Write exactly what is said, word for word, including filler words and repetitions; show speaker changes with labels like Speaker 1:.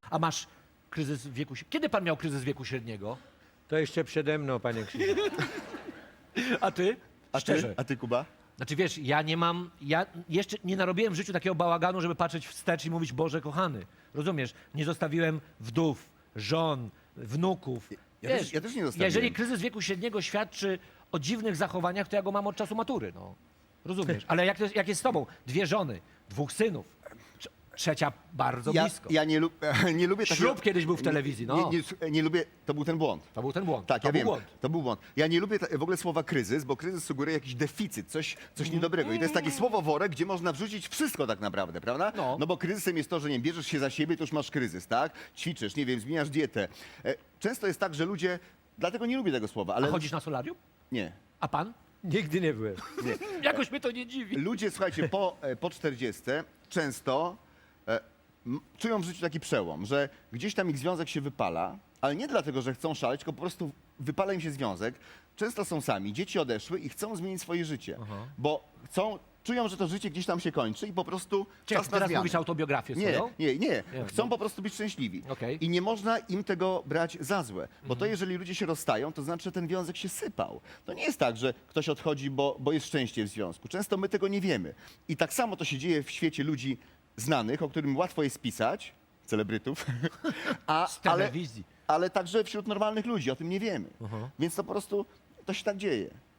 Speaker 1: A masz kryzys wieku... średniego. Kiedy pan miał kryzys wieku średniego?
Speaker 2: To jeszcze przede mną, panie Krzysiu.
Speaker 1: A ty?
Speaker 3: A
Speaker 1: Szczerze.
Speaker 3: ty, a ty, Kuba?
Speaker 1: Znaczy wiesz, ja nie mam, ja jeszcze nie narobiłem w życiu takiego bałaganu, żeby patrzeć wstecz i mówić Boże kochany. Rozumiesz? Nie zostawiłem wdów, żon, wnuków.
Speaker 3: Ja
Speaker 1: Wiesz,
Speaker 3: też- ja też nie zostawiłem.
Speaker 1: Jeżeli kryzys wieku średniego świadczy o dziwnych zachowaniach, to ja go mam od czasu matury, no. Rozumiesz? Ale jak, to jest, jak jest z tobą? Dwie żony, dwóch synów, trze- trzecia bardzo
Speaker 3: Ja,
Speaker 1: blisko.
Speaker 3: ja nie, lub, nie lubię takiego...
Speaker 1: Ślub kiedyś był w telewizji, no.
Speaker 3: Nie, nie, nie lubię, to był ten błąd.
Speaker 1: To był ten błąd.
Speaker 3: Tak,
Speaker 1: to
Speaker 3: ja
Speaker 1: był
Speaker 3: wiem,
Speaker 1: błąd.
Speaker 3: to był błąd. Ja nie lubię ta, w ogóle słowa kryzys, bo kryzys sugeruje jakiś deficyt, coś, coś niedobrego. I to jest takie słowo worek, gdzie można wrzucić wszystko tak naprawdę, prawda?
Speaker 1: No.
Speaker 3: no bo kryzysem jest to, że nie bierzesz się za siebie, to już masz kryzys, tak? Ćwiczysz, nie wiem, zmieniasz dietę. E, Często jest tak, że ludzie, dlatego nie lubię tego słowa, ale...
Speaker 1: A chodzisz na solarium?
Speaker 3: Nie.
Speaker 1: A pan?
Speaker 2: Nigdy nie byłem.
Speaker 1: Jakoś mnie to nie dziwi.
Speaker 3: Ludzie, słuchajcie, po, e, po czterdziestce często e, m, czują w życiu taki przełom, że gdzieś tam ich związek się wypala, ale nie dlatego, że chcą szaleć, tylko po prostu wypala im się związek. Często są sami, dzieci odeszły i chcą zmienić swoje życie, bo chcą, czują, że to życie gdzieś tam się kończy i po prostu
Speaker 1: Czekaj,
Speaker 3: czas na
Speaker 1: teraz
Speaker 3: zmianę.
Speaker 1: mówisz autobiografię
Speaker 3: Nie,
Speaker 1: swoją?
Speaker 3: nie, nie.
Speaker 1: Nie,
Speaker 3: Chcą
Speaker 1: no.
Speaker 3: po prostu być szczęśliwi.
Speaker 1: Okej.
Speaker 3: I nie można im tego brać za złe. Bo
Speaker 1: Mhm.
Speaker 3: to jeżeli ludzie się rozstają, to znaczy, że ten związek się sypał. To nie jest tak, że ktoś odchodzi, bo, bo jest szczęście w związku. Często my tego nie wiemy. I tak samo to się dzieje w świecie ludzi znanych, o którym łatwo jest pisać, celebrytów, a,
Speaker 1: Z
Speaker 3: ale,
Speaker 1: telewizji.
Speaker 3: ale także wśród normalnych ludzi. O tym nie wiemy.
Speaker 1: Aha.
Speaker 3: Więc to po prostu, to się tak dzieje.